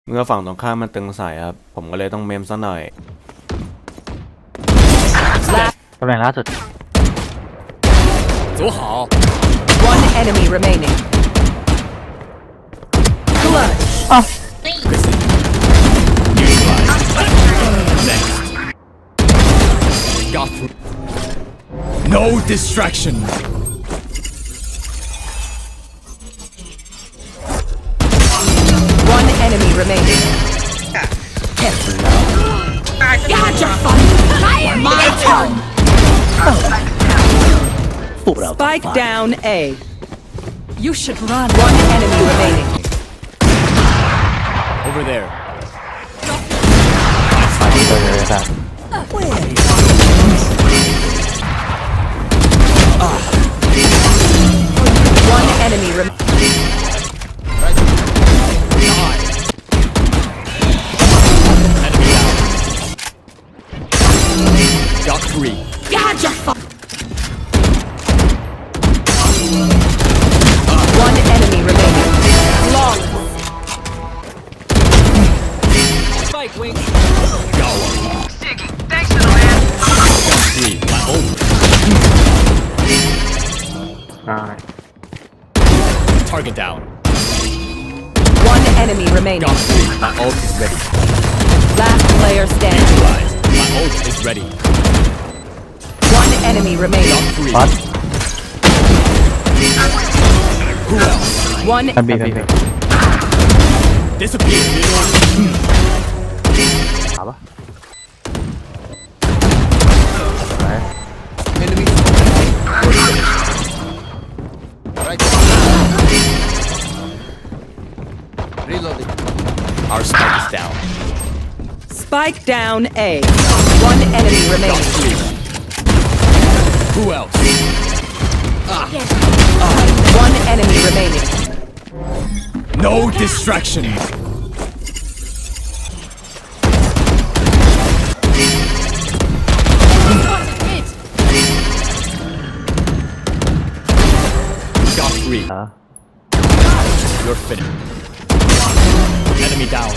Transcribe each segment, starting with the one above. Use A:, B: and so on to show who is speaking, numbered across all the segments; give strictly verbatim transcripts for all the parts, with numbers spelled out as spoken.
A: เมื่อฝั่งตรงข้ามมันตึงใส่ครับผมก็เลยต้องเมมซะหน่อย
B: ตำแหน่งล่าสุด
C: 走好
D: One enemy remaining. Clutch.
B: อ้าว
C: Next got through no distraction
D: One enemy remaining. Got your fun. My turn. Spike down A. You should run. One enemy remaining.
C: over there
B: มาที่ตัวเลยครับ
D: One enemy remaining.
C: enemy down got three
D: Got your fun. One enemy remaining. Long.
C: spike wing got one got three my ult
B: อ่า
C: target down
D: One enemy remaining.
C: got three my ult is ready
D: Last player standing.
C: Neutralized. my ult is ready
D: One enemy remaining.
C: got three
B: วัด
C: who else
D: One
B: กันบีกันบี
C: disappear
B: ถามปะ
C: enemy right reloading our spike is down
D: Spike down A. One enemy
C: got
D: remaining.
C: three who else
D: One enemy remaining.
C: no distraction got three
B: อ่า
C: you're finished enemy down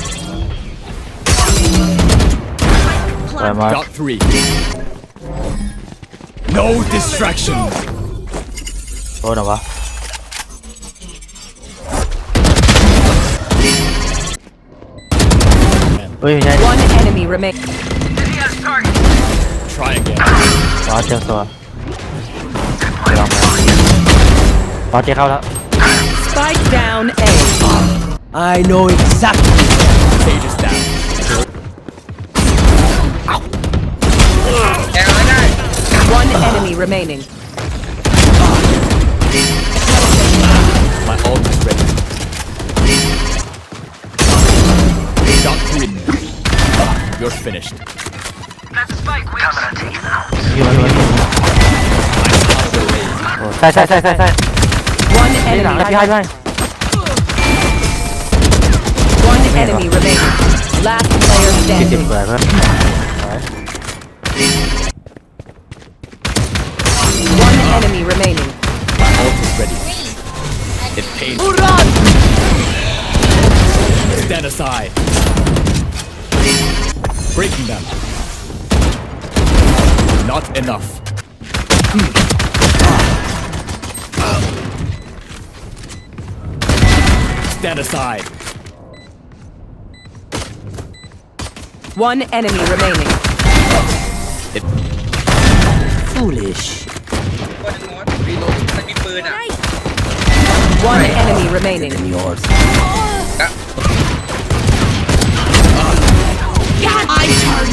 B: ไปมา
C: got three no distraction
B: โดนเหรอวะเฮ้ยไม่ใช่
D: One enemy remaining.
C: try again
B: วัดเจอตัวไปลองมาวัดเจอเข้าแล้ว
D: Spike down A.
E: I know exactly.
C: sage is down
D: One enemy remaining.
C: my ult is ready got three you're finished
B: อยู่อยู่โอ้ใช่ใช่ใช่ใช่ใช่
D: One
B: ที่หลัง
D: enemy.
B: พี่ให้ด้วย
D: One enemy remaining. Last player
B: ที่สิบ
D: standing.
B: เปิดเพิ่ม
D: One enemy remaining.
C: my ult is ready it pains
D: Run!
C: stand aside breaking them not enough stand aside
D: One enemy remaining.
E: Foolish.
D: One enemy remaining.
E: Yours.
D: My turn.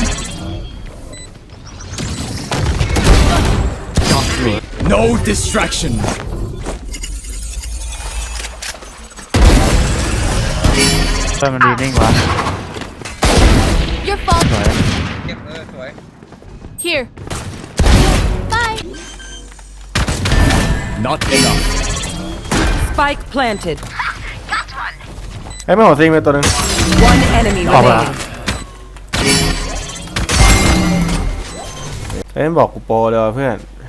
C: got three no distraction
B: เพิ่มมันดีนิ่งวะ
F: Your fault.
B: สวย
F: Here. Bye.
C: not enough
D: Spike planted.
A: ไอ้ยไม่หัวซิงไปตัวหนึง
D: One enemy
B: Oh, wow.
D: remaining.
A: เอ้ยบอกกูโปรเลยว่ะเพื่อน